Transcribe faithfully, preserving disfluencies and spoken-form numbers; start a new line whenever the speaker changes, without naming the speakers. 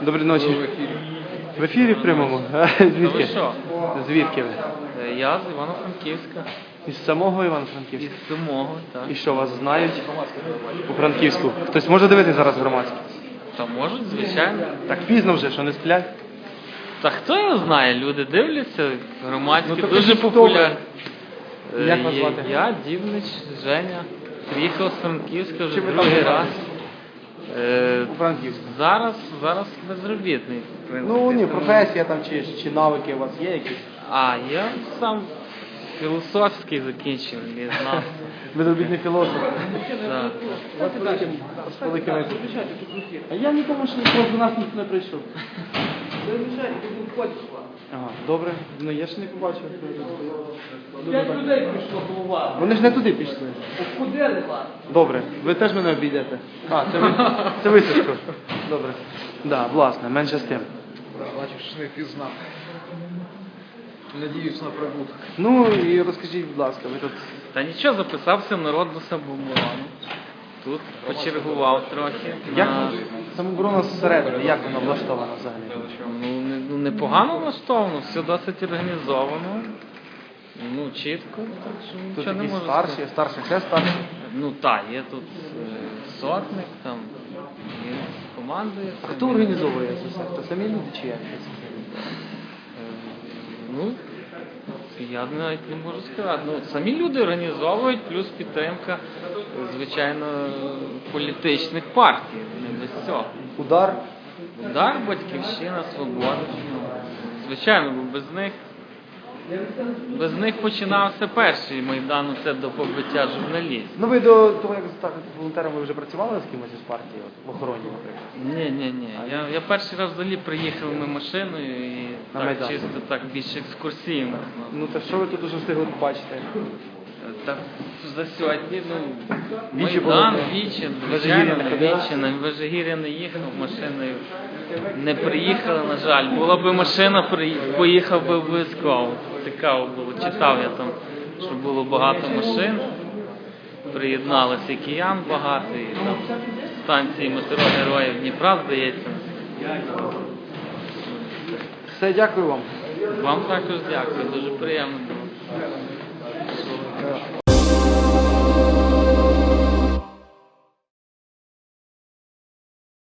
Доброї ночі.
В ефірі.
В ефірі в прямому? А, звідки?
ви що?
Звідки ви?
Е, Я з Івано-Франківська.
Із самого Івано-Франківська?
Із самого, так.
І що, вас знають у Франківську? Хтось може дивитися зараз громадське?
Та можуть, звичайно.
Так пізно вже, що не сплять?
Та хто його знає, люди дивляться, громадські,
Ну, то
дуже
кажіть, хто
популярні.
ви? Як вас
Е,
звати?
Я, Дівнич, Женя. Приїхав з Франківська вже
Чим ви
другий
там
раз. Е,
У Франківську.
Зараз, зараз безробітний, в принципі.
Ну ні,
тому-
професія там чи, чи навики у вас є якісь?
А, я сам філософський закінчив, лізнавство.
Безробітний філософ.
Так.
З великими. А я нікому ще просто до нас ніхто не прийшов. Ага, добре. Ну я ще не побачив.
П'ять людей прийшло голова.
Вони ж не туди пішли.
Обходили вас.
Добре, ви теж мене обійдете. А, це ви, це ви Сашко. Добре. Да, власне, менше з тим.
Бачив, що не пізнав. Надіюсь на прибуток.
Ну і розкажіть, будь ласка, ви тут.
Та нічого, записався в народну самооборону. Тут почергував трохи.
Як
на...
самооборона зсередини, як вона влаштована взагалі?
Ну, не, ну, непогано влаштовано, все досить організовано. Ну, чітко, так що
Тут
нічого не
якісь
можу
старші,
сказати.
старші, ще старші.
Ну так, є тут е, сотник, там, є командує. цим.
Хто організовує це все? Хто самі люди чи як?
Е, Ну, я навіть не можу сказати. Ну, самі люди організовують, плюс підтримка, звичайно, політичних партій, не без цього.
Удар.
Удар, Батьківщина, Свобода. Ну, звичайно, бо без них, без них починався перший Майдан, це до побиття журналістів.
Ну ви до того, як стати волонтером, ви вже працювали з кимось із партії, от, в охороні, наприклад?
Ні, ні, ні. Я, я перший раз взагалі приїхав ми машиною і
На
так,
Майдан.
чисто так більш екскурсійно.
Ну то що ви тут уже встигли побачити?
Так, за сьогодні, ну,
Вічі
Майдан,
було?
Вічі,
Вежигір'я
звичайно,
не
на
ходили?
Вічі, на Вежигір'я не їхав, машиною не приїхали, на жаль. Була б машина, приї- поїхав би обов'язково. Цікаво було, читав я там, що було багато машин, приєдналися і киян багато, і там станції метро Героїв Дніпра, здається.
Все, дякую вам.
Вам також дякую, дуже приємно було.
Е,